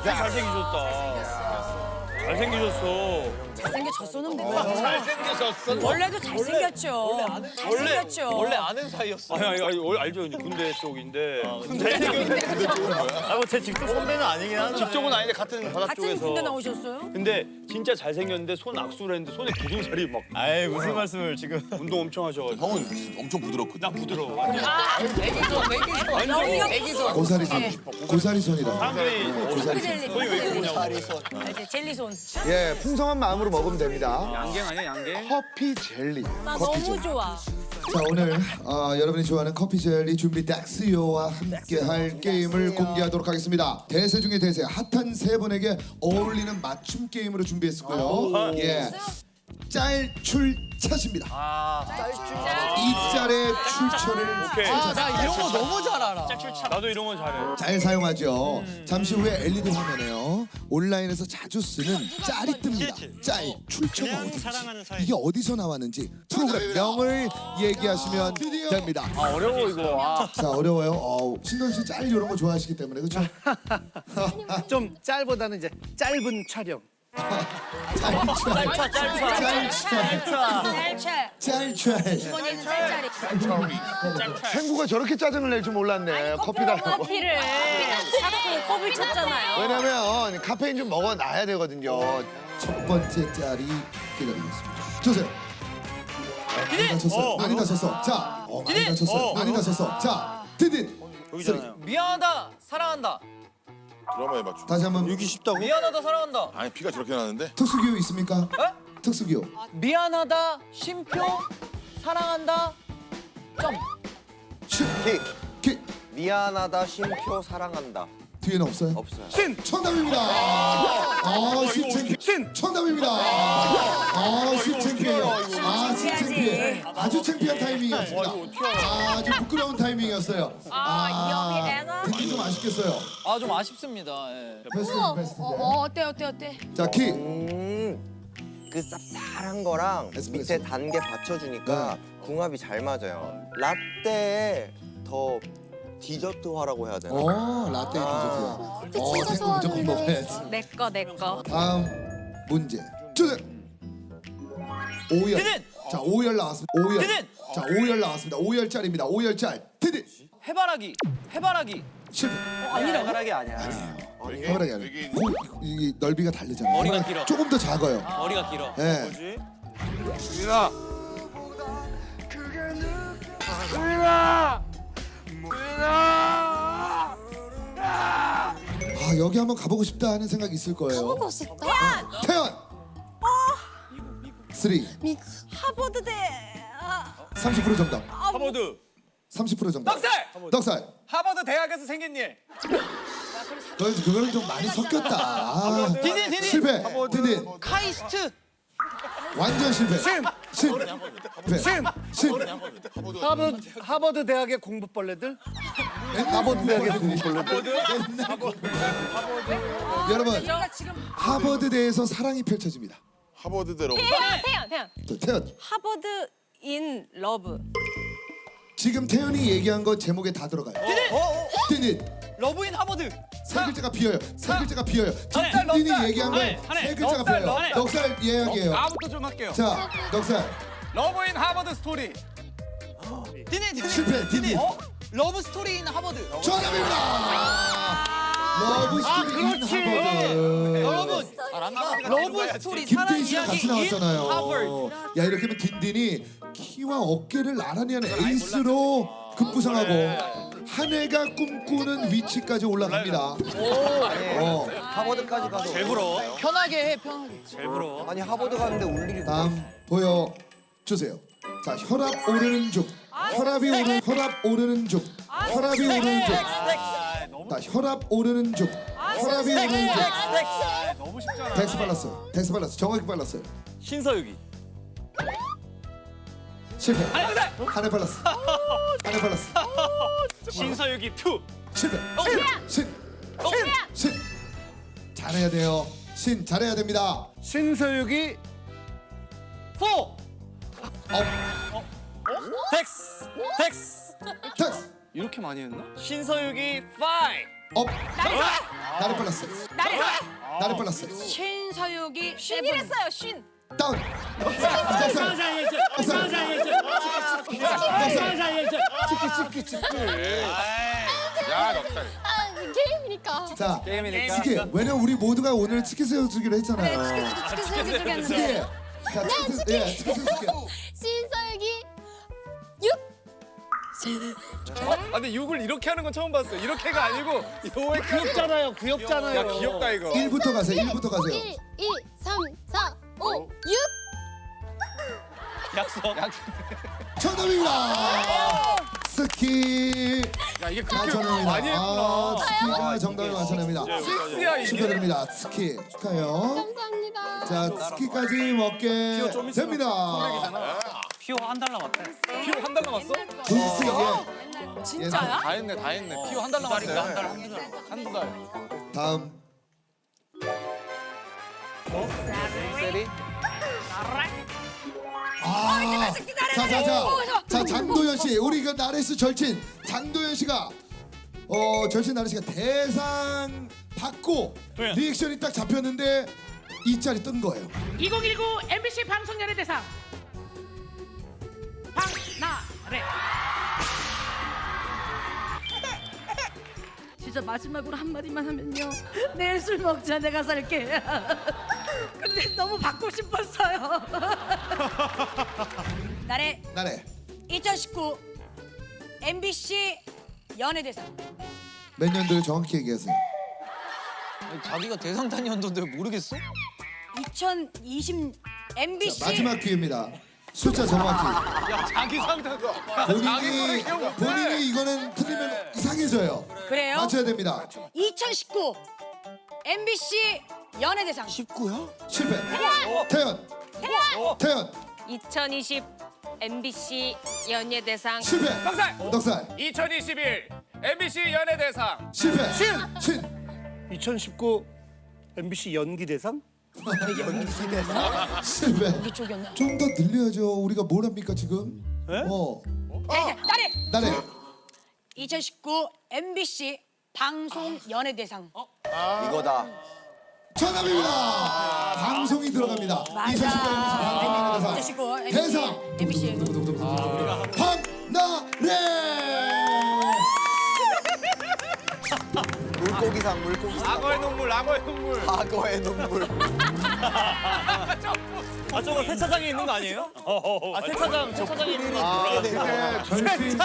잘생기셨어. 잘생겨졌었는데. 잘생겨졌어. 원래도 잘생겼죠. 잘생겼죠. 원래 아는 사이였어. 아니 알죠. 군대 쪽인데. 제 직속 선배는 아니긴 한데. 직종은 아닌데 같은 바다 같은 쪽에서. 군대 나오셨어요? 근데 진짜 잘생겼는데 손 악수를 했는데 손에 기둥살이 막 아이 무슨 말씀을 지금. 운동 엄청 하셔가지고. 형은 엄청 부드럽거든. 난 부드러워. 여기가 고사리 손. 고사리 손이라. 사람들이 핑크 젤리. 손이 왜 그러냐고. 알지? 젤리손. 예, 풍성한 마음으로 먹으면 됩니다. 양갱 아니야 양갱? 커피 젤리. 나 커피 너무 젤리. 좋아. 자, 오늘 여러분이 좋아하는 커피 젤리 준비 닥스요와 함께할 게임을 공개하도록 하겠습니다. 대세 중에 대세, 핫한 세 분에게 어울리는 맞춤 게임으로 준비했었고요. 예, 짤출차십니다. 이 짤의 출처를 오케이. 나 이런 거 너무 잘 알아. 나도 이런 건 잘해. 잘 사용하죠. 잠시 후에 LED 화면에요. 온라인에서 자주 쓰는 짤이 뜹니다. 짤 출처가 어딘지, 이게 어디서 나왔는지 프로그램 명을 얘기하시면 됩니다. 어려워 이거. 자, 어려워요. 신동 씨 짤 이런 거 좋아하시기 때문에 그렇죠? 좀 짤보다는 이제 짧은 촬영. 짤짤. 이번에는 짤짤이. 생구가 저렇게 짜증을 낼 줄 몰랐네. 커피 달라고. 커피를 자꾸 컵을 쳤잖아요. 왜냐면 카페인 좀 먹어놔야 되거든요. 첫 번째 짤이 기다리고 있습니다. 주세요. 많이 다쳤어요. 많이 다쳤어. 자, 많이 다쳤어요. 많이 다쳤어. 자, 디딘. 여기잖아요. 미안하다, 사랑한다. 드라마에 맞추. 다시 한번 여기 쉽다고? 미안하다, 사랑한다. 아니 피가 저렇게 나는데. 특수기호 있습니까? 특수기호. 미안하다, 쉼표, 사랑한다. 점. 기. 미안하다, 쉼표, 사랑한다. 뒤에는 없어요? 없어요. 신 정답입니다. 신 창피. 신 정답입니다. 신 창피해요. 신 창피해. 아주 창피한 타이밍이었습니다. 아주 부끄러운 타이밍이었어요. 듣기 좀 아쉽겠어요. 좀 아쉽습니다. 예. 베스트. 어때? 자, 키. 그 쌉쌀한 거랑 에스프레소. 밑에 단계 받쳐주니까 궁합이 잘 맞아요. 라떼에 더 디저트화라고 해야 되나? 라떼 디저트야. 생각 무조건 먹어야지. 내거. 다음 문제 주세요. 오열. 디딘! 자, 오열 나왔습니다. 오열. 디딘! 자, 오열 나왔습니다. 오열짤입니다. 오열짤. 디딘. 해바라기, 해바라기. 실패. 해바라기 아니야. 해바라기 아니에요. 이 넓이가 다르잖아요. 머리가 해바라기 길어. 조금 더 작아요. 머리가 길어. 예. 여기 한번 가보고 싶다 하는 생각이 있을 거예요. 가보고 싶다. 태연. 3. 하버드대. 30% 정답. 하버드. 30% 정답. 넉살! 넉살. 하버드 대학에서 생긴 일. 그거는 좀 많이 섞였다. 디딘. 실패. 디딘. 카이스트. 완전 실패. 신. 하버드 대학의 공부벌레들. 하버드 대학의 공부벌레들. 여러분, 우리가 지금 하버드대에서 사랑이 펼쳐집니다. 하버드대로. 태연. 태연. 하버드 인 러브. 지금 태연이 얘기한 거 제목에 다 들어가요. 디딘. 러브인 하버드. 세 글자가 비어요. 세 글자가 비어요. 지금 넉살, 디딘이 넉살. 얘기한 거에 하네. 세 글자가 넉살, 비어요. 넉살. 넉살 예약이에요. 나부터 좀 할게요. 자, 넉살. 러브인 하버드 스토리. 디딘. 실패. 디딘. 러브 스토리인 하버드. 정답입니다. 러브 스토리 인 하버드. 여러분, 잘한다. 러브 스토리 사랑 김태희 씨랑 같이 이야기 인 나왔잖아요. 하버드. 야, 이렇게 하면 딘딘이 키와 어깨를 나란히 하는 에이스로 급부상하고 한 해가 꿈꾸는 위치까지 올라갑니다. 하버드까지 가서 제일 부러워. 편하게 해, 편하게. 제일 부러워. 아니 하버드 가는데 울 일이 뭐야? 다음 보여주세요. 자, 혈압 오르는 중. 혈압이 오르는 중. 혈압이 오르는 중. 자, 혈압 오르는 중. 혈압이 오르는 중. 너무 쉽잖아. 덱스 빨랐어요. 덱스 빨랐어요. 정확히 빨랐어요. 신서유기. 실패. 한해 빨랐어. 한해 빨랐어. 신서유기 2. 실패. 신. 잘해야 돼요. 신 잘해야 됩니다. 신서유기 4. 덱스. 덱스. 이렇게 많이 했나? 신서유기 5. 업. 나를 빨랐어요. 나를 빨랐어요. 신서유기 쉰이랬어요. 쉰. 다운. 야 넉살. 아 게임이니까. 자, 치킨. 왜냐면 우리 모두가 오늘 치킨 새우주기로 했잖아요. 치킨 소고기 치킨. 쪽이었는데. 자, 치킨 새우주기. 신서유기 6. 아 근데 6을 이렇게 하는 건 처음 봤어요. 이렇게가 아니고 요에 귀엽잖아요. 귀엽잖아요. 야 귀엽다 이거. 1부터 가세요. 1부터 가세요. 1, 2, 3, 4, 5, 6. 약속. 정답입니다. 스키. 야 이게 그렇게 맞춰냅니다. 많이 했구나. 스키가 정답을 맞춰냅니다. 식스야 이게. 축하드립니다. 스키 축하해요. 감사합니다. 자, 스키까지 먹게 됩니다. 피오 한 달 남았대. 피오 한 달 남았어? 빈스 진짜야? 다 했네 다 했네. 피오 한 달 남았대. 한두 달. 다음. 세리. 자, 장도연 씨, 우리 그 나레스 절친 장도연 씨가 절친 나레스 씨가 대상 받고 리액션이 딱 잡혔는데 이 짤이 뜬 거예요. 2019 MBC 방송연예대상 박나래. 진짜 마지막으로 한마디만 하면요, 내일 술 먹자, 내가 살게. 근데 너무 받고 싶었어요. 나래 나래 2019 MBC 연예대상 몇 년도에 정확히 얘기하세요. 자기가 대상 단위였는데 모르겠어? 2020 MBC 마지막 기회입니다. 숫자 정확히. 야 자기 상담. 본인이 이거는 틀리면 이상해져요. 그래요? 맞춰야 됩니다. 2019 MBC 연예대상 19야? 실패. 태연. 2020 MBC 연예대상 실패. 넉살. 2021 MBC 연예대상. 실패. 신. 2019 MBC 연기대상? 실패. 이쪽이었나? 좀 더 늘려야죠. 우리가 뭘 합니까 지금? 나래 나래. 2019 MBC 방송 연예대상 이거다. 정답입니다. 방송이 들어갑니다. 2019 대상 MBC 박나래. 물고기상. 악어의 눈물. 악어의 눈물. 아 저거 세차장에 있는 거 아니에요? 아 세차장에 있는 거. 절친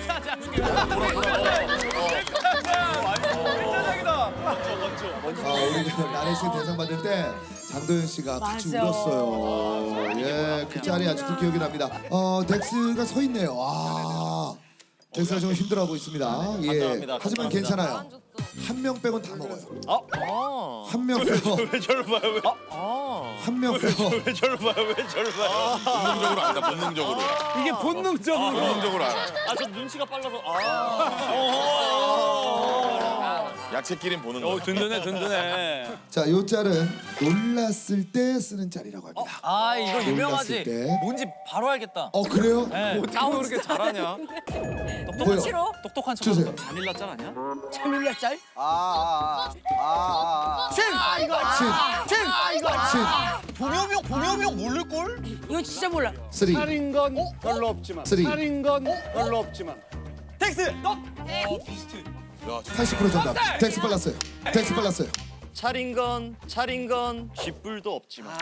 우리 나래 씨 대상 받을 때 장도연 씨가 같이 맞아. 울었어요. 예, 그 짤이 아직도 기억이 납니다. 덱스가 서 있네요. 덱스가 좀 힘들어하고 있습니다. 예, 감사합니다. 하지만 감사합니다. 괜찮아요. 한 명 빼곤 다 먹어요. 한 명 빼고 왜 저를 봐요? 한 명 빼고 왜 저를 봐요? 본능적으로 안다. 본능적으로. 이게 본능적으로. 본능적으로 알아. 아 저 눈치가 빨라서. 야채끼린 보는 거. 든든해. 자, 요 짤은 놀랐을 때 쓰는 짤이라고 합니다. 아 이거 놀랐을 유명하지. 때. 뭔지 바로 알겠다. 그래요? 어떻게 그렇게 잘하냐? 보여. 똑똑한 척. 주세요. 잔일라 짤 아니야? 재밀려 짤 신. 보명이 모를 걸? 이거 진짜 몰라 3, 살인 건 별로 없지만. 3. 살인 건 별로 없지만. 텍스. 80% 정답. 덱스 빨랐어요. 차린 건 쥐뿔도 없지만.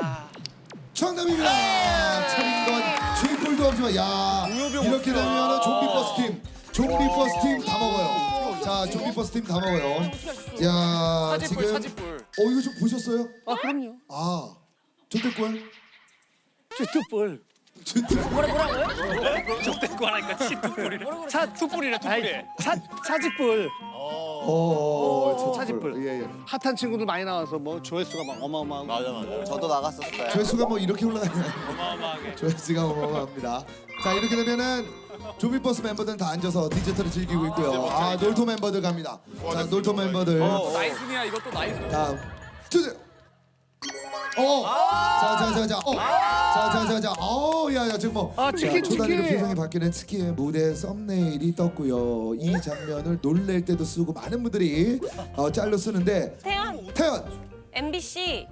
정답입니다. 차린 건 쥐뿔도 없지만 이렇게 되면 좀비 버스 팀 다 먹어요. 자, 좀비 버스 팀 다 먹어요. 야, 지금 차지뿔. 이거 좀 보셨어요? 그럼요. 조태꿀. 쥐뚜뿔. 적대고 하니까 치투뿔이래. 투뿔이래 투뿔이. 차지뿔. 차지뿔. 예. 핫한 친구들 많이 나와서 뭐 조회수가 막 어마어마하고. 맞아. 저도 나갔었어요. 조회수가 뭐 이렇게 올라가냐? 어마어마하게. 조회수가 어마어마합니다. 자, 이렇게 되면은 좀비버스 멤버들은 다 앉아서 디저트를 즐기고 있고요. 놀토 멤버들 갑니다. 자, 놀토 멤버들 나이스니야 이것도 나이스. 다음 주세요. 자자자자. 야야 지금 뭐. 치킨, 초단위로 치킨. 표정이 바뀌는 치킨의 무대 썸네일이 떴고요. 이 장면을 놀랄 때도 쓰고 많은 분들이 짤로 쓰는데. 태연. MBC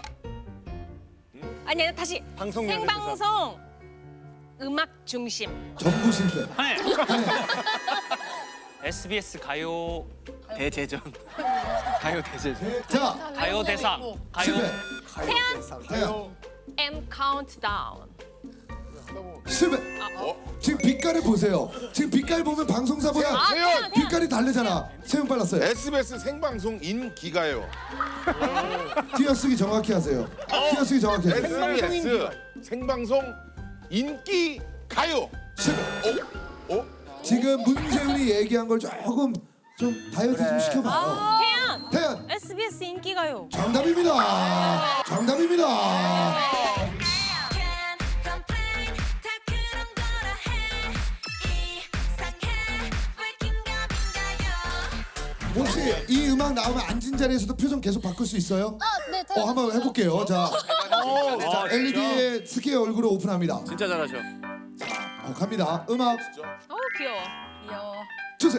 아니 다시 방송 생방송 음악 중심 전부 실패. SBS 가요 대제전. 가요 대제전. 자 가요 대상. 실패. 태연 태연. M 카운트다운 실패. 지금 빛깔을 보세요. 지금 빛깔 보면 방송사보다 태연! 빛깔이 다르잖아. 세훈 빨랐어요. SBS 생방송 인기가요. 띄어쓰기 정확히 하세요. 띄어쓰기 정확히 하세요. SBS 생방송 인기 가요. 실패. 어? 지금 문세훈이 얘기한 걸 조금 좀 다이어트 좀 시켜봐요. 태연 태연 SBS 인기가요 정답입니다. 정답입니다. 혹시 이 음악 나오면 앉은 자리에서도 표정 계속 바꿀 수 있어요? 네. 한번 해볼게요. 자, LED의 스키의 얼굴을 오픈합니다. 진짜 잘하셔. 갑니다. 음악 어우 귀여워 주세요.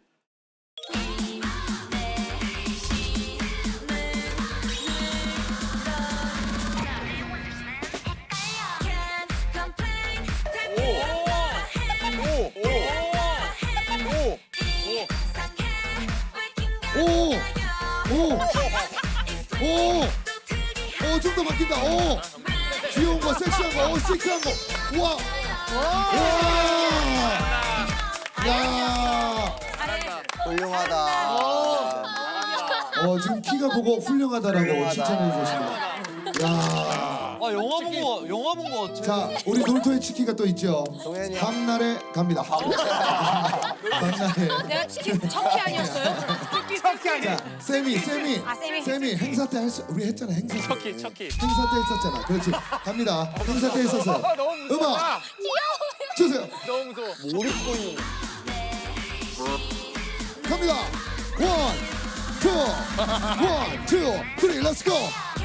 좀 더 바뀐다. 귀여운 거, 섹시한 거, 시크한 거. 우와. 야. 훌륭하다. 지금 키가 보고 훌륭하다라고 칭찬해 주셨습니다. 야. 영화 본 거 같아. 자, 우리 놀토의 치키가 또 있죠. 동현이. 박나래 갑니다. 박나래. 내가 치킨 척키 아니었어요? 자, 세미. 세미. 행사 때 우리 했잖아. 행사 때. 척키. 행사 때 했었잖아. 그렇지. 갑니다. 행사 때 했었어요. 음악 주세요. 너무 무서워. 갑니다. 원, 투, 쓰리, 렛츠 고.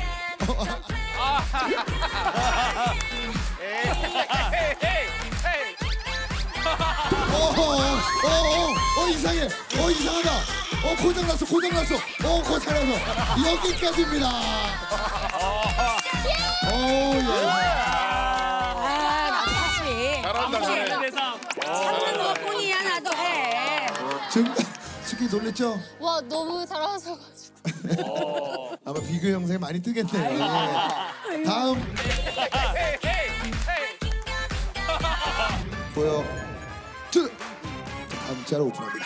이상해. 이상하다. 고장났어. 고장났어. 여기까지입니다. 나도 사실 잘한다. 대상. 참는 것뿐이야 나도 해. 지금 치킨 놀랬죠? 와 너무 잘하셔가지고. 아마 비교 영상이 많이 뜨겠네. 다음 보여. 다음 자로 오픈합니다.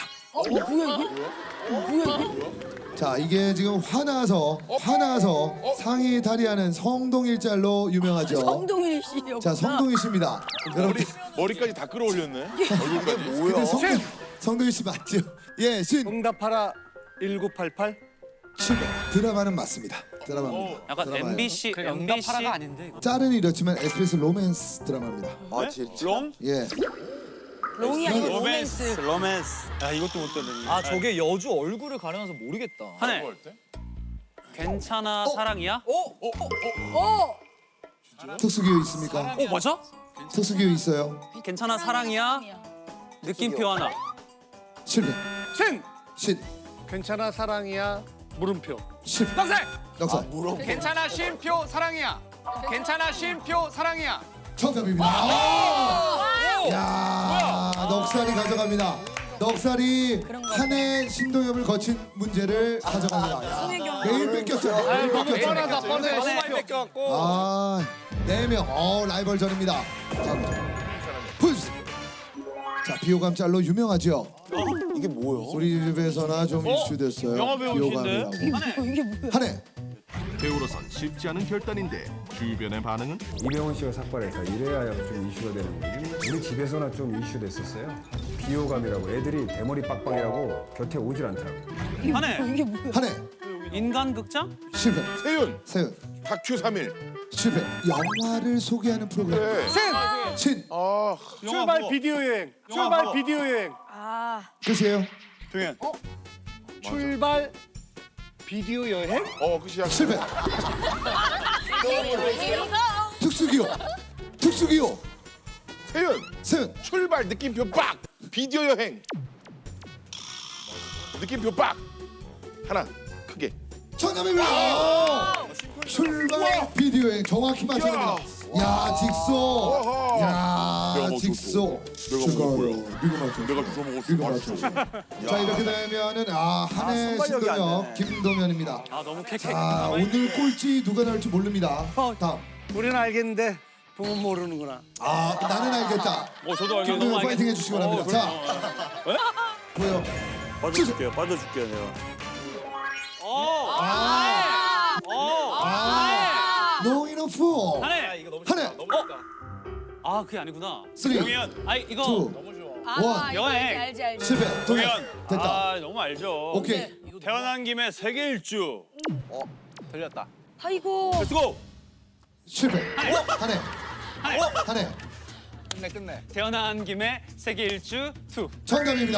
뭐야 이게? 자, 이게 지금 화나서 상의 탈의하는 성동일 짤로 유명하죠. 성동일 씨요. 자, 성동일 씨입니다. 여러분, 머리까지 다 끌어올렸네. 얼굴까지. 근데 성동일 씨 맞죠? 예, 응답하라 1988. 실패. 드라마는 맞습니다. 드라마입니다. 약간 드라마예요. MBC 응답하라가 아닌데 이거. 짤은 이렇지만 SBS 로맨스 드라마입니다. 아 진짜. 예. 롱이 아니고 로맨스. 로맨스. 야 이것도 못 들었네. 아 저게 여주 얼굴을 가려서 모르겠다. 한해. 괜찮아 사랑이야? 특수기호 있습니까? 맞아? 특수기호 있어요. 괜찮아 사랑이야? 느낌표 하나. 실패. 신. 괜찮아 사랑이야. 물음표. 실패. 넉살. 넉살. 괜찮아 쉼표 사랑이야. 괜찮아 쉼표 사랑이야. 정답입니다. 야, 넉살이 가져갑니다. 넉살이 한 해 신동엽을 거친 문제를 가져갑니다. 야, 매일 뺏겼잖아요. 너무 뻔하다 뻔해. 너무 많이 뺏겨갖고. 아, 4명. 라이벌전입니다. 다음 점. 보여주세요. 자, 비호감 짤로 유명하죠. 이게 뭐야? 우리 집에서나 좀 이슈됐어요. 영화 배우신데? 비호감이라고. 한 해. 배우로선 쉽지 않은 결단인데 주변의 반응은? 이병헌 씨가 삭발해서 이래야 좀 이슈가 되는 거지. 우리 집에서나 좀 이슈됐었어요. 비호감이라고 애들이 대머리 빡빡이라고 곁에 오질 않더라고. 한해. 한 해. 인간극장? 실패. 세윤. 세윤. 다큐 3일. 실패. 영화를 소개하는 프로그램. 신. 출발 비디오 여행. 출발 비디오 여행. 끝이에요. 동현. 출발 비디오 여행? 끝이야. 실패. 특수기호. 특수기호. 세윤 세윤. 출발 느낌표 빡. 비디오 여행. 느낌표 빡. 하나 크게. 정답입니다. 출발 비디오 여행 정확히 맞춰갑니다. 야 직소. 야 직소. 내가 주워 먹었어. 자 이렇게 되면은 한해 신동엽 김동현입니다. 너무 쾌쾌. 자 오늘 꼴찌 누가 나올지 모릅니다. 다음. 우리는 알겠는데 부모 모르는구나. 나는 알겠다. 저도 알겠어. 김동현 파이팅 해주시기 바랍니다. 자 보여. 빠져줄게요. 빠져줄게요 내가. No enough. 한해. 이거 너무 한해. 그게 아니구나. 3, 2, 1. 이거 알지 알지. 실패. 동현. 동현. 됐다. 너무 알죠. 오케이. 태어난 김에 세계 일주. 들렸다. 아이고. 렛츠고. 실패. 한해. 한해. 끝내. 태어난 김에 세계 일주 2. 정답입니다.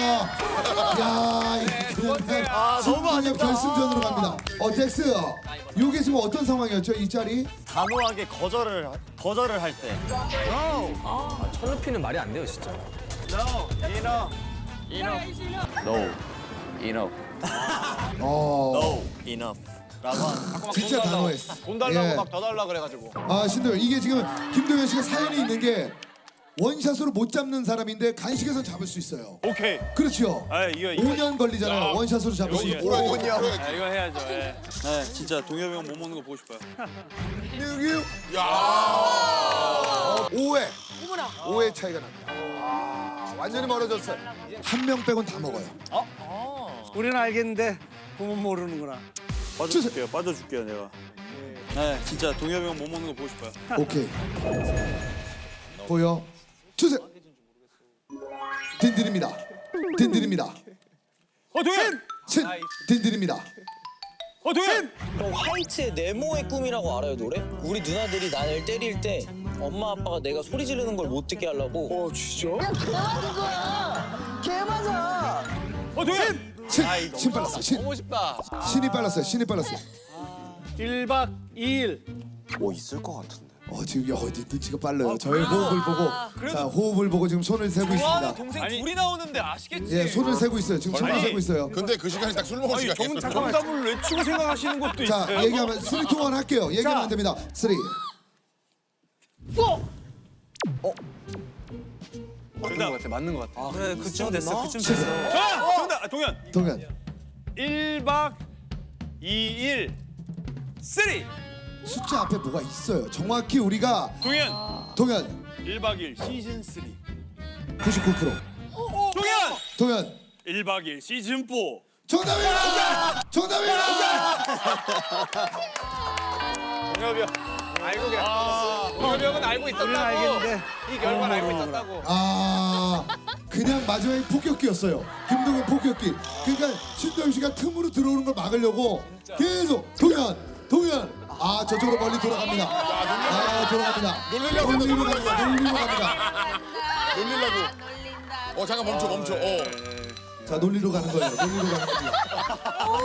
야, 너무 아쉽다. 결승전으로 갑니다. 덱스, 이게 지금 어떤 상황이었죠? 이 짤이? 단호하게 거절을 할 때. 천루피는 말이 안 돼요 진짜. enough. 진짜 단호했어. 돈 달라고 예. 막 더 달라 그래가지고. 신동현, 이게 지금 김동현 씨가 사연이 있는 게 원샷으로 못 잡는 사람인데 간식에선 잡을 수 있어요. 오케이. 그렇죠. 이거 5년 걸리잖아요. 원샷으로 잡을 수 있고. 이거 해야죠. 네, 진짜 동엽이 형 못 먹는 거 보고 싶어요. 5회. 5회 차이가 납니다. 완전히 멀어졌어요. 한 명 빼곤 다 먹어요. 우리는 알겠는데 부모 모르는구나. 빠져줄게요 내가. 네, 진짜 동엽이 형 못 먹는 거 보고 싶어요. 오케이. 보여. 주세요. 딘딘입니다. 딘딘입니다. 동현. 딘딘입니다. 동현. 화이트의 네모의 꿈이라고 알아요 노래? 우리 누나들이 나를 때릴 때 엄마 아빠가 내가 소리 지르는 걸 못 듣게 하려고. 진짜? 동현. 신 빨랐어요. 너무 쉽다. 신이 빨랐어요. 신이 빨랐어요. 1박 2일. 있을 것 같은데. 지금 눈치가 빨라요. 저의 호흡을 보고 자 호흡을 보고 지금 손을 세고 있습니다. 동생 둘이 나오는데 아시겠지? 예, 손을 세고 있어요. 지금 손을 세고 있어요. 근데 그 시간이 딱 술 먹을 시간이었어. 정답을 외치고 생각하시는 것도 자, 있어요. 얘기하면 3, 2, 1 할게요. 얘기하면 안 됩니다. 3. 맞는 것 같아. 그래 그쯤 됐어. 그쯤 됐어. 정답. 동현. 동현. 1박 2일 3. 숫자 앞에 뭐가 있어요. 정확히 우리가 동현. 1박 2일 시즌 3. 99%. 동현. 1박 2일 시즌 4. 정답입니다. 동엽이 형 알고 계셨. 동엽이 형은 알고 우리는 있었다고. 알겠는데 이 결과를 알고 있었다고. 그냥 마지막에 폭격기였어요. 김동현 폭격기. 그러니까 신동엽 씨가 틈으로 들어오는 걸 막으려고 계속 동현. 저쪽으로 멀리 돌아갑니다. 돌아갑니다. 놀리려고 갑니다. 잠깐 멈춰. 자, 놀리러 가는 거예요. 놀리러 가는 겁니다.